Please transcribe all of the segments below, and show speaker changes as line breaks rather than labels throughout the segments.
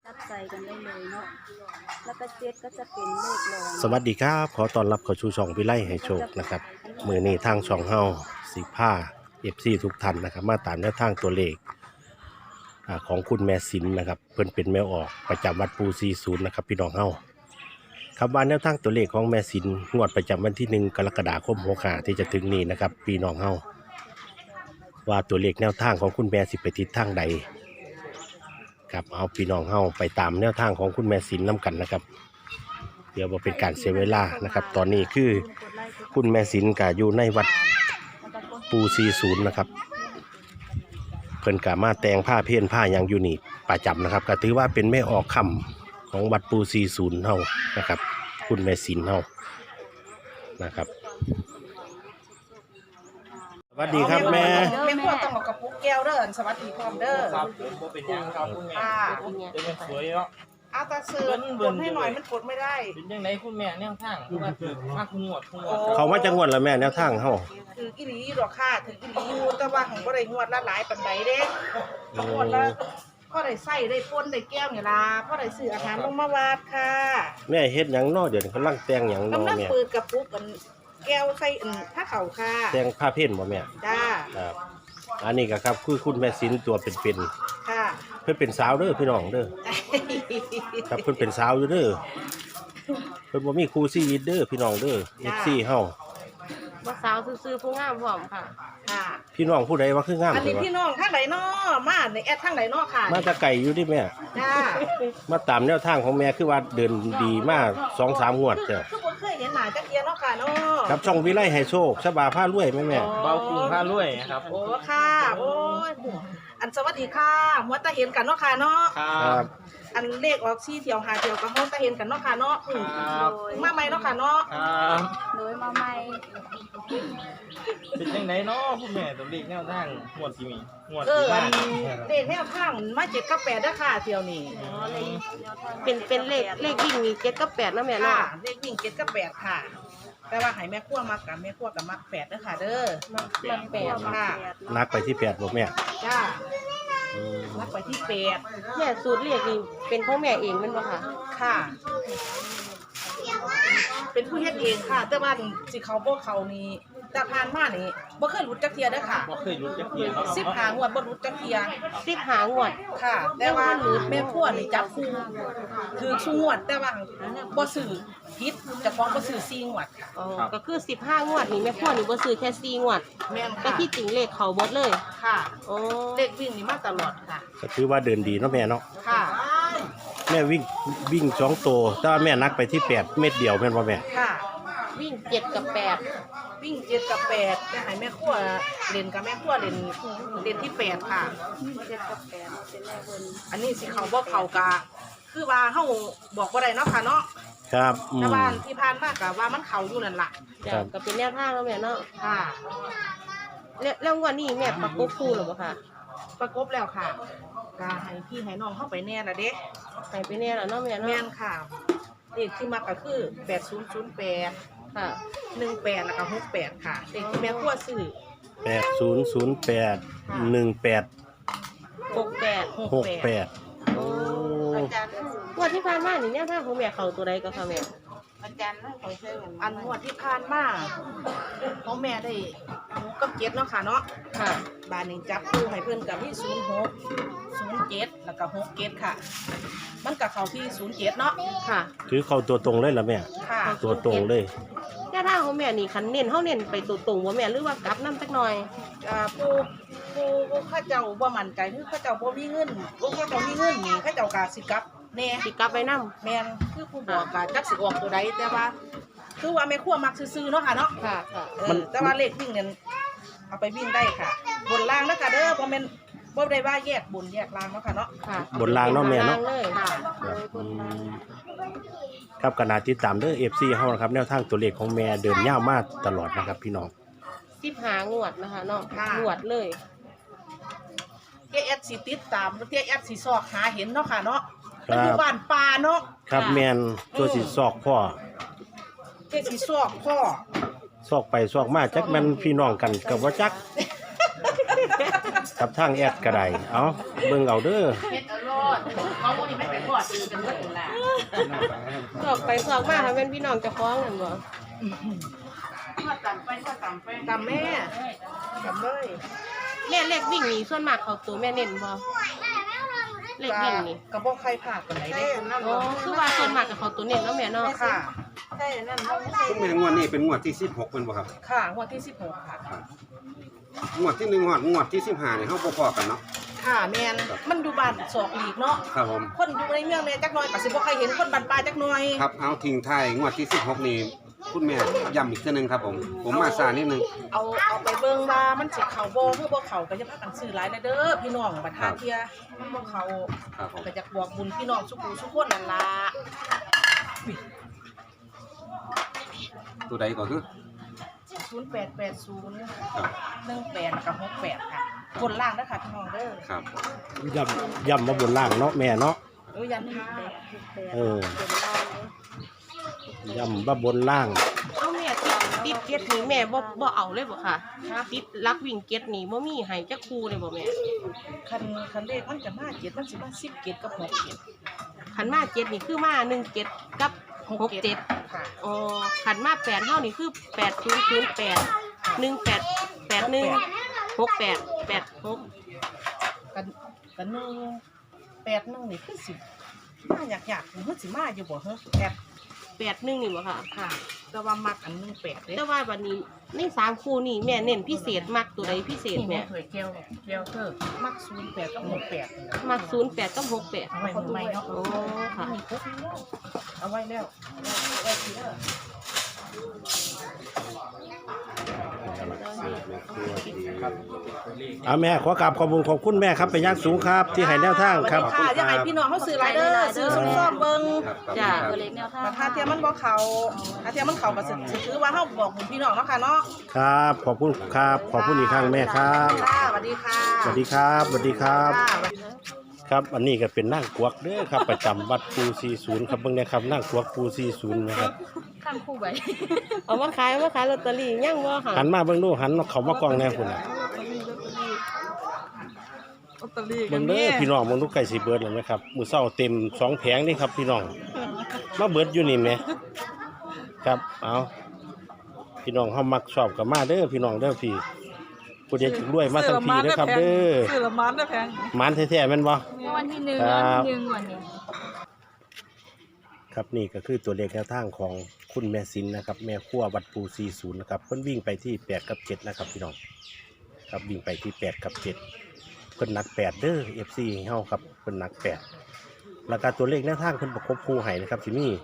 จับใส่กันได้เลยเนาะแล้วก็เจ็ดก็จะเป็นเลขรอง
สวัสดีครับขอต้อนรับเข้าสู่ช่องวิไลให้โชคนะครับมื้อนี้ทางช่องเฮาสิพา FC ทุกท่านนะครับมาตามแนวทางตัวเลขของคุณแม่สินนะครับเพิ่นเป็นแม่ออกประจำวัดปู40นะครับพี่น้องเฮาครับว่าแนวทางตัวเลขของแม่สินงวดประจำวันที่1กรกฎาคม65ที่จะถึงนี้นะครับพี่น้องเฮาว่าตัวเลขแนวทางของคุณแม่สิไปทิศทางใดครับเอาพี่น้องเฮาไปตามแนวทางของคุณแม่สินนํกันนะครับเดี๋ยวบ่เป็นการเสียเวลานะครับตอนนี้คือคุณแม่สินก็อยู่ในวัดปู40นะครับเพิ่นก็มาแต่งผ้าเพี้ยนผ้าอย่างอยู่นี่ประจำนะครับก็ถือว่าเป็นแม่ออกคำของวัดปู40เฮานะครับคุณแม่สินเฮานะครับสวัสดีครับแม่
แม่พวกต้องเอากระปุกแก้วเด้อสวัสดีพร้อมเด้อ
ครับผมเป็นยังครับคุณแม่
ค่ะ
เป็นยังสวยเนาะ
เอาตาเสือปนให้หน่อยมันปนไม่ได้
เป็นยังไงคุณแม่แนวทางคือว่าคือมากงวด
เขามาจังหวัดละแม่แนวทางเฮา
ถือกิลีดอกค่ะถือกิลีอยู่แต่ว่าของบ่ได้งวดละหลายปานใดเด้งวดละพ่อได้ใส่ได้ปนได้แก้วนี่ล่ะพ่อได้ซื้ออาหารลงมาวาดค่ะ
แม่เฮ็ดหยังน้อเดี๋ยวนี้กำลังแต่งหยังน้อก
ำลัง
แม่
เปิดกระปุกกันแก้วใส่ผ้าขาวค่ะ
แต่งผ้าเพี้ยนบ่แม่
จ้า
ครับอันนี้ก็ครับคือคุณแม่สินตัวเป็น
ค่ะ
ๆเพิ่นเป็นสาวเด้อพี่น้องเด้อครับเพิ่นเป็นสาวอยู่เด้อเพิ่นบ่มีครูชีวิตเด้อพี่น้องเด้อ FC เฮา
ว่าสาวซื่อๆผู้งามพร้อมค่ะ
ค่ะ
พี่น้องผู้ใดว่าคืองาม
อัน
เล
นี้
ยวะ
พี่น้องทางไหนน้อมาในแอดทางไหนน้อค่ะ
มาแตะไก่อยู่ดิแม่
จ้า
มาตามแนวทางของแม่คือว่าเดินดีมาก 2-3 งวดจ้ะ
คือบ่เคยเห็นหน้าจักเทียเนาะค่ะเนาะ
ครับช่องวิไลให้โชคชบาผ้ารวยแม่
เบาคุ้งผ้ารวยครับ
โอ้ค่ะ โอ้ยอันสวัสดีค่ะหัวตาเห็นกันเนาะค่ะเนาะ
ครั
ครับ บ
อันเลขออก4เที่ยว5เที่ยวก็หัวตาเห็นกันเนาะค่ะเนาะ
ครับ
มาใหม่เนาะค่ะเนาะ
ครับ
โดยมาใหม่
เป็นยังไงเนาะคุณแม่ตัวเลขแนวทางงวดที่มีงวด
เอ
ที่
ออั
บ้าน น
เลขแนวทางมา7กับ8เด้อค่ะเที่ยวนี้
เป็นเลขวิ่งมี7กับ8นะแม่
ค่ะ
เนาะ
เลขวิ่ง7กับ8ค่ะ แต่ว่าให้แม่ครัวมักกับแม่ครัวกับมัก8เด้อค่ะเด้อ
มันแปด
ค่ะ
นักไปที่8บ่แม่
จ้า
อืม
มักไปที่8
แม่สูตรเลขนี่เป็นของแม่เองแมันบ่ค่ะ
ค่ะ เป็นผู้เฮ็ดเองค่ะ แต่ว่าสิเขาบ่เขานี่แต่ผ่านมานี่บ่เคยหลุดจักเที่ยเด้อค่ะ
บ่เคยรู้จักเพียงเนาะ
15งวดบ่หลุดจักเที่ย
15งวด
ค่ะ แต่ว่าแม่ครัวนี่จับคู่คือชูงวด แต่ว่าบ่ซื้อผิดเจ้าของบ่ซื้อ4งวดค่ะ
อ๋อก็คือ15งวดนี่แม่พ่อนี่บ่ซื้อแค่4งวด
แม่น
แต่
ค่ะ
ที่จริงเลขเขาเบิดเลย
ค่ะ
อ๋อ
เลขวิ่งนี่มาตลอดค่ะ
ก็ถือว่าเดินดีเนาะแม่เนาะ
ค่ะ
แม่วิ่ง2ตัวแต่ว่าแม่นักไปที่8เม็ดเดียวแม่นบ่แม่
ค่ะ
วิ่ง7กับ8
วิ่ง7กับ8แต่ให้แม่ครัวเล่นกับแม่ครัวเล่นที่8ค่ะ
7กับ8เป็นแม่เพิ่น
อันนี้สิเขาบ่เขากะคือว่าเฮาบอกบ่ได้เนาะค่ะเนาะ
ครับอื
แต่
ม
ว่าที่ผ่านมาก็ว่ามันเขาอยู่นั่นล่ะ
จ้ะ
ครับ
ก็เป็นแนวทางแล้วแม่เนาะ
ค่ะ
แล้วงวดนี้แม่ประกบคู่หรือบ่ค่ะ
ประกบแล้วค่ะก็ให้พี่ให้น้องเข้าไปแน่ละเด้
ให้ไปแน่แล้วเนาะแม่
แม่
เนาะ
นค่ะเลขที่มักก็คือ8008
ค่ะ
18แล้วก็68ค่ะเลขที่แม่ครัวซื้อ
8008 18
68
68โอ้
งวดที่ผ่านมานี่แนวทางของแม่เขาตัวใดก็ค่ะแม่
อันงวดที่ผ่านมาพ่อแม่ได้6กับ7เนาะค่ะเนาะ
ค่ะ
บ้านนี้จับคู่ให้เพิ่นกับที่06 07แล้วก็67ค่ะ มันก็เข้าที่07เนาะ
ค่ะ
ถือเข้าตัวตรงเลยล่ะแม่
ค่ะ
ตัวตรงเลย
แนวทางของแม่นี่คันเน้นเฮาเน้นไปตัวตรงบ่แม่หรือว่ากลับนำจักหน่อย
ผู้ข้าเจ้าบ่มั่นใจคือข้าเจ้าบ่มีเงินผู้ข้าเจ้ามีเงินนี่ข้าเจ้าก็สิกลับแน่
สิกลับไปนำ
แม่นคือผู้บอกก็จักสิออกตัวใดแต่ว่า คือว่าแม่ครัวมักซื่อๆเนาะค่ะเนาะ
ค่ะค่ะ
แต่ว่าเลขวิ่งเนี่ยเอาไปวิ่งได้ค่ะ บนล่างนะคะเด้อบ่แม่นบ่ได้ว่าแยกบนแยกล่างเนาะค่ะเนาะ
ค่ะ
บนรางเนาะแม่เนาะ
บเลย
ค่ะ
ครับอืมครับขณะที่ตามเด้อ FC เฮานะครับแนวทางตัวเลขของแม่เดินยาวมากตลอดนะครับพี่น้อง
15งวดนะคะเนาะ
ค่ะ
งวดเลย
เจ๊แอดสิติดตามแล้วเจ๊แอดสิซอกหาเห็นเนาะค่ะเนาะ
ครับ
มันอยู่บ้านป่าเนาะ
ครับแม่นตัวสิซอกพ่อ
เจ๊สิซอกพ่อ
ซอกไปซอกมาจักแม่นพี่น้องกันกับว่าจัก กับทางแอดก็ได้เอาเบิ่งเอาเด้อ
เฮ็ดอร่อเขาคนนี้ไม่ไปพอดคือกันเบิดล่ะ
สอกไปสอกมาค่ะเป็นพี่น้องเจะฟ้าของกันบ่
ก็ตำไปตำแม่ตำเลย
แม่เลขวิ่งนี่ส่วนมากเขาตัวแม่เน้นบ่เลขวิ่งนี่
กระบอกไข่ผักกันไหนเด้
อ๋อคือว่าส่วนมากกับเขาตัวเน้นเนาะแม่เนาะ
ค่ะ
คุณแม่งวดนี้เป็นงวดที่16เป็นบ่ครับ
ค่ะงวดที่16ค่ะ
งวดที่1ฮอดงวดที่15นี่เฮาบ่พอกันเนาะ
ค่ะแมนมันดูบ้านศอกหลีกเนาะ
ครับผม
คนอยู่ในเมืองเนี่ยจักหน่อยก็สิบ่ใครเห็นคนบ้านปลายจักหน่อย
ครับเอาทิ้งท้ายงวดที่16นี่คุณแม่ย้ำอีกเทื่อนึงครับผมมาซานิดนึง
เอาไปเบิ่งว่ามันสิเข้าบ่คือบ่เข้าก็อย่าพากันซื้อหลายนะเด้อพี่น้องบัดหาเที่ยมันบ่เข้า
ครับผม
ก็อยากบอกบุญพี่น้องทุกผู้ทุกคนนั่นล่ะ
ตัวใดก็คือ
0880
ครับ
18กับ68ค่ะบนล่างเด้อค่ะพี่น้องเด้อ
ครับ
ย่ำมาบนล่างเนาะแม่เนาะ
ยันห้า
เออ ย่ำมาบนล่าง
เอาแม่ติดเก็ตนี่แม่บ่เอาเลยบ่ค่ะติดลักวิ่งเก็ตนี่บ่มีให้จักคู่เลยบ่แม่
คันเลขมันจะมา7มันสิมา10เกตกับ6เกต
ขันมาเจ็ดนี่คือมา1เก็ตกับ6เจ็ด
ค่ะ
อ๋อขันมา8เฮานี่คือ8008 1881 68 86
กัน181นี่คือสิมาอยากมันสิมาอยู่บ่ฮะแอบ
81นี่บ่ค่ะ
ค่ะแต่ว่ามักอัน18เด้
แต่ว่าวันนี้ใน3คู่นี่แม่เน้นพิเศษมักตัวใดพิเศษแม่
เคยเจียวเธอมัก08กับ68
มัก08กับ68
เอาไว้มือใหม่เนาะ
โอ้ค่ะ
เอาไว้แล้วเอาไว้ทีเด้อ
เอาแม่ขอกราบขอบคุณขอบคุณแม่ครับเป็นอย่างสูงครับ ที่ให้แนวทางครับ
ค่ะยังไงพี่น้องเขาซื้อไรเด้อซื้อส้มๆเบิ่ง
จ้ะ
ตัวเล็กแนวทาง
ถ้าเทียมมันบ่เขาถ้าเทียมมันเขาก็สิถือว่าเฮาบอกบุญพี่น้องเนาะค่ะเนาะ
ครับ ขอบคุณครับ ขอบคุณอีกครั้งแม่ครับ
ค่ะสวัสดีค่ะ
สวัสดีครับสวัสดีครับ
ค่ะ
ครับ อันนี้ก็เป็นนั่งกวักเด้อครับ ประจำวัดปู40ครับเบิ่งนะครับนั่งกวักปู40นะครับ
ข้างคู่ไว้
เอามาขายลอตเตอรี่ยังบ่ค่ะ
หันมาเบิ่งดูหันเขามากล้องแน่คุณน่ะเบิ่งเด้อพี่น้องเบิ่งดูไก่สิเบิดแล้วนะครับมื้อเช้าเต็ม2แผงนี่ครับพี่น้องมาเบิดอยู่นี่แหมครับเอาพี่น้องเฮามักชอบก็มาเด้อพี่น้องเด้อพี่ผู้ใดจะรวยมาทั้งพี่เด้อครับเด้อ
ซื้อละมันได้แพง
หมานแท้ๆแม่นบ่
วันที่1
ครับ
วันที่1วันนี้
ครับนี่ก็คือตัวเลขแนวทางของคุณแม่สินนะครับแม่ครัววัดปู40นะครับเพิ่นวิ่งไปที่8กับ7นะครับพี่น้องครับวิ่งไปที่8กับ7เพิ่นหนัก8เด้อ FC เฮาครับเพิ่นหนัก8แล้วก็ตัวเลขแนวทางเพิ่นประกบคู่ให้นะครับสิมี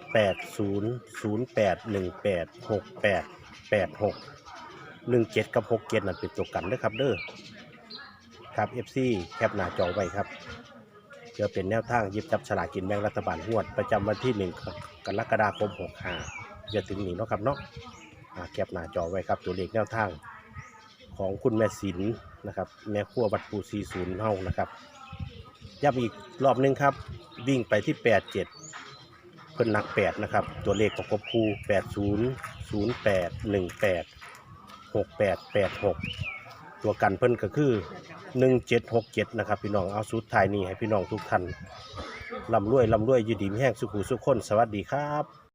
8008186886 17กับ67นั่นเป็นตัวกันเด้อครับเด้อครับ FC แคปหน้าจอไว้ครับเพื่อเป็นแนวทางหยิบจับฉลากกินแบ่งรัฐบาลงวดประจำวันที่1กรกฎาคม65จะถึงนี้เนาะครับเนาะแคปหน้าจอไว้ครับตัวเลขแนวทางของคุณแม่ศิลป์นะครับแม่ครัววัดปู40เฮานะครับย้ำอีกรอบนึงครับวิ่งไปที่87เพิ่นหนัก8นะครับตัวเลขประกบคู่80 08 18 6886ตัวกันเพิ่นก็คือ1767นะครับพี่น้องเอาสุดท้ายนี้ให้พี่น้องทุกท่านร่ำรวยอยู่ดีมีแห้งสุขุสุขคนสวัสดีครับ